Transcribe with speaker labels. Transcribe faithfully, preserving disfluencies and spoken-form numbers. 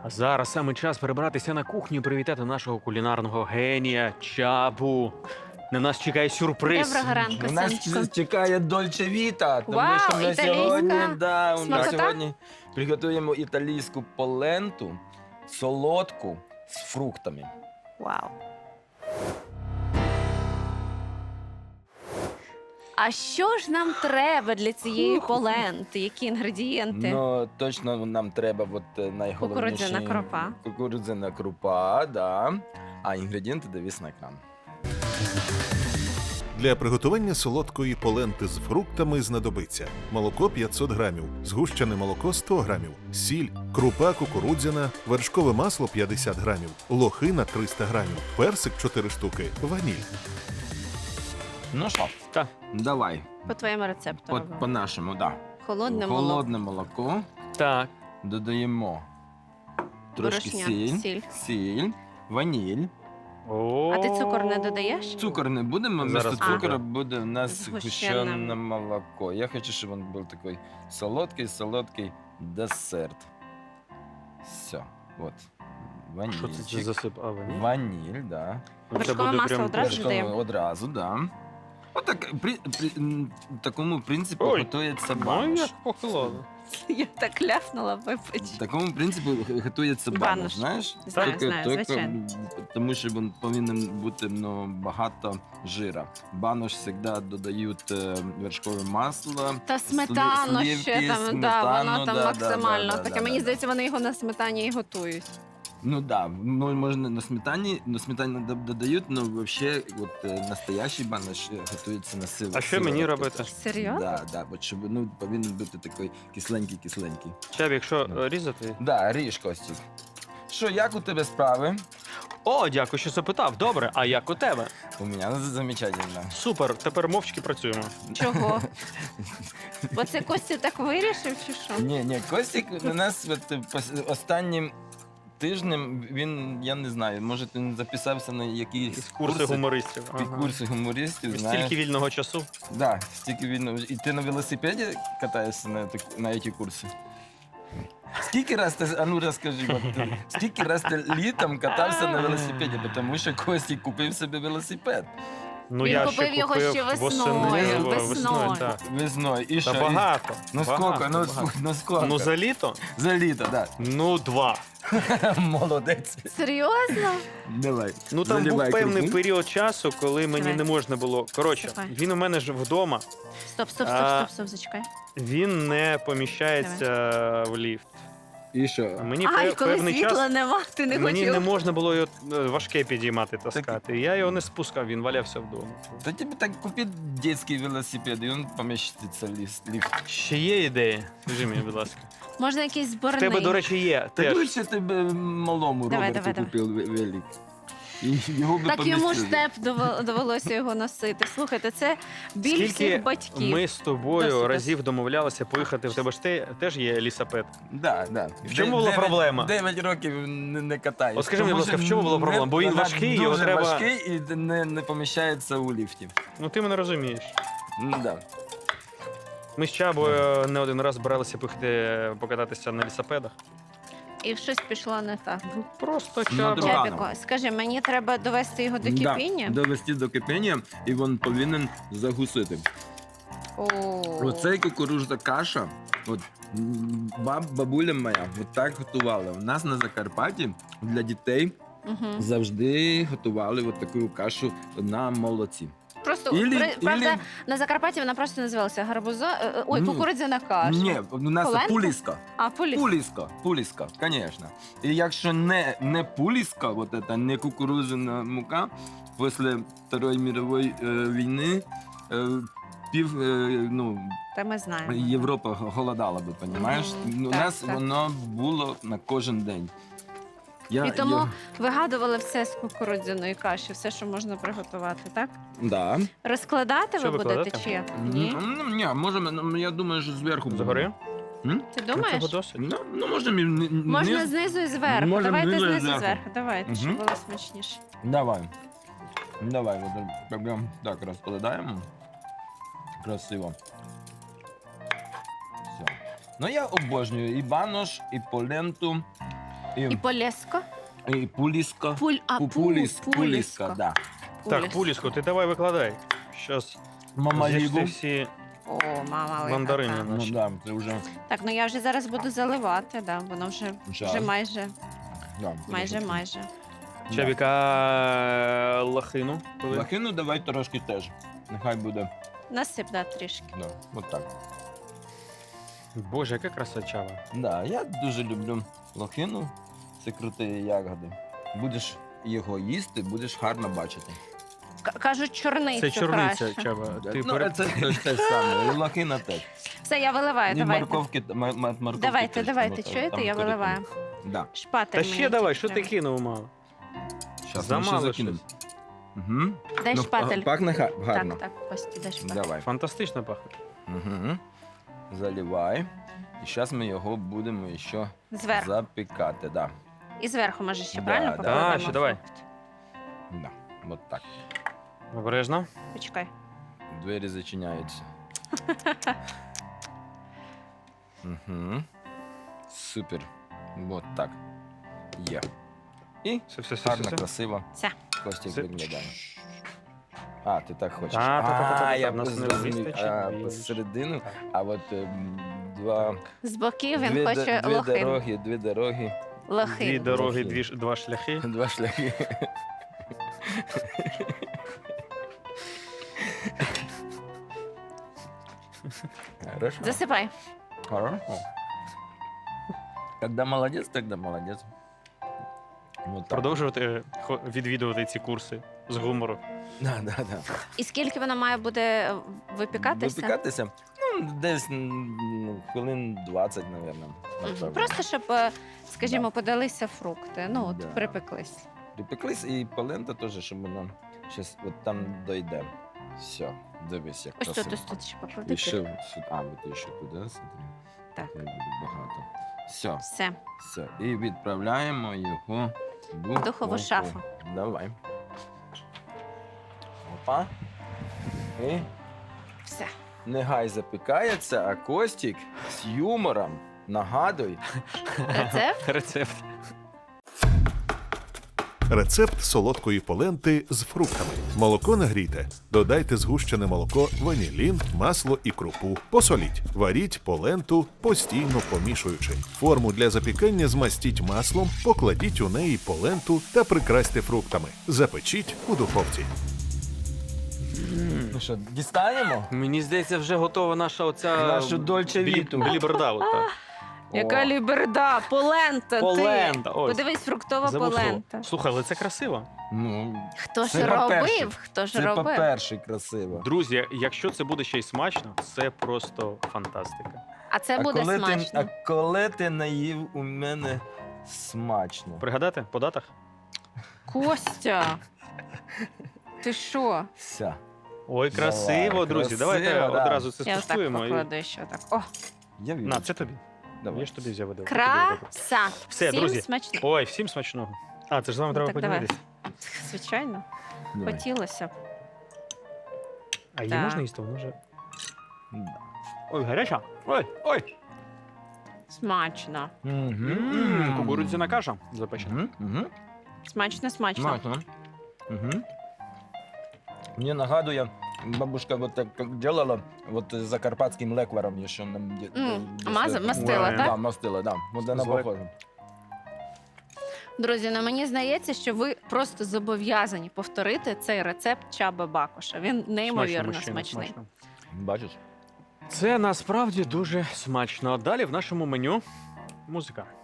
Speaker 1: А зараз саме час перебратися на кухню і привітати нашого кулінарного генія Чабу. На нас чекає сюрприз.
Speaker 2: Доброго ранку,
Speaker 3: У нас
Speaker 2: сонечко.
Speaker 3: чекає Дольче Віта, тому
Speaker 2: Вау,
Speaker 3: що ми
Speaker 2: італійська
Speaker 3: сьогодні, да, ми
Speaker 2: смакота?
Speaker 3: сьогодні приготуємо італійську поленту, солодку з фруктами.
Speaker 2: Вау. А що ж нам треба для цієї поленти? Які інгредієнти?
Speaker 3: Ну, точно нам треба от, е, найголовніше.
Speaker 2: Кукурудзяна крупа.
Speaker 3: Кукурудзяна крупа, да. А інгредієнти дивись на екран.
Speaker 4: Для приготування солодкої поленти з фруктами знадобиться молоко п'ятсот грамів, згущене молоко сто грамів, сіль, крупа кукурудзяна, вершкове масло п'ятдесят грамів, лохина триста грамів, персик чотири штуки, ваніль.
Speaker 3: Ну що,
Speaker 1: Так.
Speaker 3: давай,
Speaker 2: По твоєму рецепту.
Speaker 3: по,
Speaker 2: робимо.
Speaker 3: по-нашому, да.
Speaker 2: Холодне молоко.
Speaker 3: Холодне молоко.
Speaker 1: Так.
Speaker 3: Додаємо трошки
Speaker 2: Борошня,
Speaker 3: сіль,
Speaker 2: сіль.
Speaker 3: сіль, ваніль.
Speaker 1: О.
Speaker 2: А ти цукор не додаєш?
Speaker 3: Цукор не будемо,
Speaker 1: Зараз
Speaker 3: вместо
Speaker 1: буде.
Speaker 3: цукора буде у нас
Speaker 2: Згущене.
Speaker 3: згущене молоко. Я хочу, щоб він був такий солодкий, солодкий десерт. Все, от.
Speaker 1: Що це
Speaker 3: Ванільчик.
Speaker 1: засип? А, ваніль?
Speaker 3: Ваніль, да.
Speaker 1: Це
Speaker 2: Вершкове
Speaker 1: буде
Speaker 2: масло
Speaker 1: прям
Speaker 2: одразу
Speaker 1: дуже-
Speaker 3: Вершкове
Speaker 2: додаємо?
Speaker 3: одразу, да. Отак, при, при, м, такому принципу
Speaker 1: Ой.
Speaker 3: готується
Speaker 1: Ну,
Speaker 3: банош.
Speaker 1: як похолодно.
Speaker 2: Я так ляпнула, вибач.
Speaker 3: Такому принципу готується
Speaker 2: Банош.
Speaker 3: банош, знаєш?
Speaker 2: Знаю,
Speaker 3: Тільки-
Speaker 2: знаю,
Speaker 3: тільки,
Speaker 2: звичайно.
Speaker 3: м, Тому що він повинен бути ну, багато жира. Банош завжди додають е, вершкове масло.
Speaker 2: Та сметану
Speaker 3: слівки,
Speaker 2: ще там, да,
Speaker 3: сметану,
Speaker 2: воно там
Speaker 3: да, да,
Speaker 2: максимально.
Speaker 3: да, да,
Speaker 2: Таке,
Speaker 3: да,
Speaker 2: мені
Speaker 3: да.
Speaker 2: здається, вони його на сметані і готують.
Speaker 3: Ну да, ну, можна на сметані, на сметані до- додають, але взагалі от, е, настоящий банош е, готується на силу.
Speaker 1: А що мені робити?
Speaker 2: Серйозно?
Speaker 3: Да, да, от, щоб ну, повинен бути такий кисленький-кисленький.
Speaker 1: Чаб, якщо
Speaker 3: Ну.
Speaker 1: е, різати.
Speaker 3: Да, ріж, Костік. Що, як у тебе справи?
Speaker 1: О, дякую, що запитав. Добре, а як у тебе?
Speaker 3: У мене замечательно.
Speaker 1: Супер, тепер мовчки працюємо.
Speaker 2: Чого? Бо це Костя так вирішив, чи що?
Speaker 3: Ні, ні, Костік у нас от, е, пос- останнім тижнем він, я не знаю, може він записався на якісь
Speaker 1: Курси
Speaker 3: курси,
Speaker 1: гумористів.
Speaker 3: під курси гумористів,
Speaker 1: І
Speaker 3: знаєш.
Speaker 1: Стільки вільного часу.
Speaker 3: Да, стільки вільно. І ти на велосипеді катаєшся на, ті- на ці курси? Скільки раз ти, а ну розкажи, от, ти, скільки раз ти літом катався на велосипеді, тому що Костік купив собі велосипед
Speaker 1: Ну,
Speaker 2: Він
Speaker 1: я
Speaker 2: купив
Speaker 1: ще
Speaker 2: його
Speaker 1: купив
Speaker 2: ще весною,
Speaker 1: восени,
Speaker 2: весною.
Speaker 1: весною, так.
Speaker 3: весною. І
Speaker 1: Та
Speaker 3: що? І-
Speaker 1: багато.
Speaker 3: Ну
Speaker 1: багато,
Speaker 3: скільки, ну,
Speaker 1: багато.
Speaker 3: ск- ну скільки?
Speaker 1: Ну, за літо?
Speaker 3: За літо, так.
Speaker 1: Ну, два.
Speaker 3: Да. Молодець.
Speaker 2: Серйозно?
Speaker 3: Давай.
Speaker 1: Ну, там
Speaker 3: Заливай
Speaker 1: був певний
Speaker 3: крупу.
Speaker 1: період часу, коли мені
Speaker 2: Давай.
Speaker 1: не можна було. Коротше,
Speaker 2: Давай.
Speaker 1: він у мене ж вдома,
Speaker 2: Стоп, стоп, стоп,
Speaker 1: А,
Speaker 2: стоп, стоп, зачекай.
Speaker 1: він не поміщається в ліфт.
Speaker 3: І що?
Speaker 1: Мені
Speaker 2: Ай,
Speaker 1: пев-
Speaker 2: коли
Speaker 1: певний
Speaker 2: світла
Speaker 1: час
Speaker 2: нема, ти не
Speaker 1: мені
Speaker 2: хотів.
Speaker 1: не можна було його е, важке підіймати, таскати. Я його не спускав, він валявся вдома.
Speaker 3: Та тобі так купи дитячий велосипед, і він поміститься в ліс- ліфт.
Speaker 1: Ще є ідеї? Скажи мені, будь ласка.
Speaker 2: Можна якийсь
Speaker 1: В
Speaker 2: зборний.
Speaker 1: тебе, до речі, є.
Speaker 3: Так
Speaker 1: Теж.
Speaker 3: лучше тебе малому
Speaker 2: Давай,
Speaker 3: Роберту
Speaker 2: давай,
Speaker 3: купив ве- велик. І його би
Speaker 2: Так йому ж
Speaker 3: помістили.
Speaker 2: степ дово- довелося його носити. Слухайте, це біль
Speaker 1: Скільки
Speaker 2: всіх батьків.
Speaker 1: ми з тобою
Speaker 2: Досить,
Speaker 1: разів домовлялися поїхати, в тебе ж те- теж є лісапед.
Speaker 3: Да, да.
Speaker 1: В чому
Speaker 3: Де-
Speaker 1: була
Speaker 3: дев'ять-
Speaker 1: проблема?
Speaker 3: Дев'ять років не, не катаєш.
Speaker 1: От скажи мені,
Speaker 3: Тому
Speaker 1: будь ласка,
Speaker 3: що
Speaker 1: в чому була
Speaker 3: не-
Speaker 1: проблема? Бо він
Speaker 3: вона
Speaker 1: важкий, його
Speaker 3: дуже
Speaker 1: треба-
Speaker 3: важкий і не, не поміщається у ліфті.
Speaker 1: Ну ти мене розумієш.
Speaker 3: Ну, да.
Speaker 1: Ми з Чабою не один раз збиралися поїхати покататися на лісапедах.
Speaker 2: І щось пішло не так.
Speaker 1: Просто
Speaker 3: Ну,
Speaker 1: Чаба.
Speaker 3: добре.
Speaker 2: Чепіко, скажи, мені треба довести його до кипіння?
Speaker 3: Да, довести до кипіння, і він повинен загусити.
Speaker 2: О.
Speaker 3: Оцей кукурудза каша, от м, баб, бабуля моя от так готувала. У нас на Закарпатті для дітей
Speaker 2: Мгм.
Speaker 3: завжди готували от таку кашу на молоці.
Speaker 2: Просто,
Speaker 3: Ілі-
Speaker 2: при- правда,
Speaker 3: ілі-
Speaker 2: на Закарпатті вона просто називалася гарбуза. е, е, Ой,
Speaker 3: Ні.
Speaker 2: кукурудзяна каша.
Speaker 3: Ні, у нас
Speaker 2: Поленка?
Speaker 3: пуліска.
Speaker 2: А, поліс.
Speaker 3: Пуліска, пуліска, звісно. І якщо не, не пуліска, вот это, не кукурудзяна мука, після Другої мирової е, війни е, пів, е, ну,
Speaker 2: Та ми знаємо.
Speaker 3: Європа голодала би, розумієш?
Speaker 2: Мгм,
Speaker 3: У
Speaker 2: так,
Speaker 3: нас
Speaker 2: так.
Speaker 3: воно було на кожен день. Я,
Speaker 2: І тому
Speaker 3: я-
Speaker 2: вигадували все з кукурудзяної каші, все, що можна приготувати, так?
Speaker 3: Да.
Speaker 2: Розкладати
Speaker 1: Що
Speaker 2: ви будете
Speaker 1: викладати?
Speaker 2: чи як? Ні?
Speaker 3: Ну, ні, можемо, ну, я думаю, що зверху. буде.
Speaker 1: Загори?
Speaker 3: М?
Speaker 2: Ти
Speaker 1: Ну,
Speaker 2: думаєш?
Speaker 1: цього досить.
Speaker 3: Ну, ну можемо і ні- ні-
Speaker 2: Можна
Speaker 3: низ.
Speaker 2: знизу і зверху.
Speaker 3: Можемо
Speaker 2: Давайте
Speaker 3: знизу і
Speaker 2: знизу і
Speaker 3: зверху.
Speaker 2: зверху. Давайте, щоб
Speaker 3: Мгм.
Speaker 2: було смачніше.
Speaker 3: Давай. Давай, от прям так розкладаємо. Красиво. Все. Ну я обожнюю і банош, і поленту.
Speaker 2: І полєско.
Speaker 3: і пуліска.
Speaker 2: Пуль, а, пу,
Speaker 3: Пуліс,
Speaker 2: пулісько.
Speaker 3: пуліска, да.
Speaker 1: Так, Пуліско, ти давай викладай. Щас
Speaker 3: Мама
Speaker 1: з'їж
Speaker 3: Лігу.
Speaker 1: ти всі
Speaker 2: О, мама велика.
Speaker 1: мандарини
Speaker 2: так.
Speaker 3: Ну
Speaker 1: наші.
Speaker 3: да, це вже,
Speaker 2: Так, ну я вже зараз буду заливати, да, воно вже,
Speaker 3: Час.
Speaker 2: вже майже,
Speaker 3: да,
Speaker 2: майже,
Speaker 3: дуже.
Speaker 2: майже.
Speaker 3: Да.
Speaker 1: Чабіка лохину. коли?
Speaker 3: Лохину давай трошки теж. Нехай буде,
Speaker 2: Насип, да, трішки.
Speaker 3: да, от так.
Speaker 1: Боже, яка краса чава.
Speaker 3: Да, я дуже люблю лохину. Це круті ягоди. Будеш його їсти, будеш гарно бачити.
Speaker 2: К- кажуть, чорницю
Speaker 1: Це чорниця,
Speaker 2: краще.
Speaker 1: чаба. Ти
Speaker 3: ну,
Speaker 1: пере-
Speaker 3: це теж те саме. І лохина теж.
Speaker 2: Все, я виливаю,
Speaker 3: І
Speaker 2: давайте.
Speaker 3: морковки, м- м- морковки
Speaker 2: Давайте,
Speaker 3: теж,
Speaker 2: давайте,
Speaker 3: там,
Speaker 2: чуєте,
Speaker 3: там
Speaker 2: я
Speaker 3: коротко.
Speaker 2: виливаю.
Speaker 3: Да.
Speaker 2: Шпатель
Speaker 1: Та
Speaker 2: мені
Speaker 1: ще давай,
Speaker 2: тільки
Speaker 1: що ти
Speaker 2: треба.
Speaker 1: кинув мало?
Speaker 3: Щас ми ще
Speaker 1: Замало
Speaker 3: закинемо.
Speaker 1: щось.
Speaker 3: Угу.
Speaker 2: Дай шпатель.
Speaker 3: Пахне га- гарно.
Speaker 2: Так, так, Кості, дай шпатель.
Speaker 3: Давай.
Speaker 1: Фантастично пахне.
Speaker 3: Угу. Заливай. І зараз ми його будемо ще
Speaker 2: Зверху.
Speaker 3: запікати. Да.
Speaker 2: І зверху, може, ще
Speaker 3: Да,
Speaker 2: правильно
Speaker 3: да.
Speaker 2: покладемо
Speaker 1: А, ще давай.
Speaker 2: фрукт?
Speaker 3: Да. От так.
Speaker 1: Обережно.
Speaker 2: Почекай.
Speaker 3: Двері зачиняються. Угу. Супер. От так. Є. І
Speaker 1: Все, все, все,
Speaker 3: гарно,
Speaker 1: все.
Speaker 3: красиво.
Speaker 2: Все.
Speaker 3: Костік
Speaker 1: Все.
Speaker 3: виглядає. А, ти так хочеш.
Speaker 1: Та, та, та, та, та, та,
Speaker 3: я
Speaker 1: в нас не
Speaker 3: зрозумів.
Speaker 1: вистачить
Speaker 3: А,
Speaker 1: більше.
Speaker 3: посередину,
Speaker 1: Так.
Speaker 3: а от ем, два...
Speaker 2: З боків він
Speaker 3: дві,
Speaker 2: хоче
Speaker 3: д- дві
Speaker 2: лохин.
Speaker 3: дороги, дві дороги,
Speaker 1: Дві
Speaker 2: Лохин.
Speaker 1: дороги,
Speaker 3: Лохин.
Speaker 1: дві, ш- два шляхи.
Speaker 3: два шляхи. Хорошо.
Speaker 2: Засипай.
Speaker 3: Хорошо. Когда молодец, тогда молодец. Вот так.
Speaker 1: Продовжувати хо- відвідувати ці курси з гумору.
Speaker 3: Да, да, да.
Speaker 2: І скільки воно має буде е, випікатися?
Speaker 3: Випікатися? Ну, десь м, ну, хвилин двадцять,
Speaker 2: Мгм.
Speaker 3: мабуть.
Speaker 2: Просто щоб, е, скажімо, подалися фрукти. Ну, от
Speaker 3: Да.
Speaker 2: припеклись.
Speaker 3: Припеклись і полента теж, щоб воно щас от там дойде. Все, дивись, як
Speaker 2: Ось тут,
Speaker 3: красиво.
Speaker 2: ось тут ще поклади.
Speaker 3: І ще сюди. А, от ще туди, смотри.
Speaker 2: Так.
Speaker 3: Хай буде багато. Все,
Speaker 2: Все.
Speaker 3: все. І відправляємо його в
Speaker 2: Духову шафу.
Speaker 3: Давай. Опа. І
Speaker 2: Все.
Speaker 3: нехай запікається, а Костік з юмором нагадуй.
Speaker 2: Рецепт?
Speaker 1: Рецепт.
Speaker 4: Рецепт солодкої поленти з фруктами. Молоко нагрійте. Додайте згущене молоко, ванілін, масло і крупу. Посоліть. Варіть поленту, постійно помішуючи. Форму для запікання змастіть маслом, покладіть у неї поленту та прикрасьте фруктами. Запечіть у духовці.
Speaker 3: Ну що, дістанемо?
Speaker 1: Мені здається, вже готова наша оця...
Speaker 3: Нашу Дольче
Speaker 1: Білі-
Speaker 3: Віту.
Speaker 1: Біліберда. от так.
Speaker 2: Яка
Speaker 3: О.
Speaker 2: ліберда, полента.
Speaker 1: Полента,
Speaker 2: Ти.
Speaker 1: ось.
Speaker 2: Подивись, фруктова
Speaker 1: Забув слово.
Speaker 2: полента.
Speaker 1: Слухай, але це красиво.
Speaker 3: Ну,
Speaker 2: Хто
Speaker 3: Це
Speaker 2: ж
Speaker 3: по-перше.
Speaker 2: робив? Хто ж
Speaker 3: це
Speaker 2: робив?
Speaker 3: по-перше красиво.
Speaker 1: Друзі, якщо це буде ще й смачно, це просто фантастика.
Speaker 2: А це
Speaker 3: а
Speaker 2: буде
Speaker 3: коли
Speaker 2: смачно.
Speaker 3: Ти, а коли ти наїв у мене смачно.
Speaker 1: Пригадати по датах?
Speaker 2: Костя. Ти що?
Speaker 3: Все.
Speaker 1: Ой, красиво,
Speaker 3: Давай,
Speaker 1: друзі.
Speaker 3: красиво,
Speaker 1: Давайте
Speaker 3: да.
Speaker 1: одразу це
Speaker 2: Я отак
Speaker 1: скуштуємо. і-
Speaker 2: покладу ще так. О,
Speaker 3: Я вірю.
Speaker 1: На, це тобі.
Speaker 3: Давай.
Speaker 1: Я ж тобі взяв видав. це тобі видав.
Speaker 2: краса.
Speaker 1: Все,
Speaker 2: Всім
Speaker 1: друзі.
Speaker 2: смачно.
Speaker 1: Ой, всім смачного. А, це ж з вами
Speaker 2: Ну,
Speaker 1: треба
Speaker 2: так давай.
Speaker 1: поділитися.
Speaker 2: Звичайно,
Speaker 3: Давай.
Speaker 2: хотілося б.
Speaker 1: А її
Speaker 2: Так.
Speaker 1: можна їсти? Вона вже...
Speaker 3: Да.
Speaker 1: Ой, гаряча. Ой, ой.
Speaker 2: Смачно.
Speaker 1: М, Кукурудзяна каша запечена.
Speaker 3: Угу. Угу.
Speaker 2: Смачно, смачно.
Speaker 3: Смачно. Угу. Мені нагадує, бабушка вот так как делала, вот с закарпатским лекваром еще нам де-
Speaker 2: М,
Speaker 3: де-
Speaker 2: маза-
Speaker 3: десь-
Speaker 2: мастила,
Speaker 1: Ой.
Speaker 2: так?
Speaker 3: Да, мастила, да. Вот она
Speaker 1: Звар-
Speaker 3: похожа.
Speaker 2: Друзі, ну мені здається, що ви просто зобов'язані повторити цей рецепт Чаби Бакуша. Він неймовірно
Speaker 1: мужчина,
Speaker 2: смачний.
Speaker 1: смачно.
Speaker 3: Бачиш?
Speaker 1: Це насправді дуже смачно. Далі в нашому меню музика.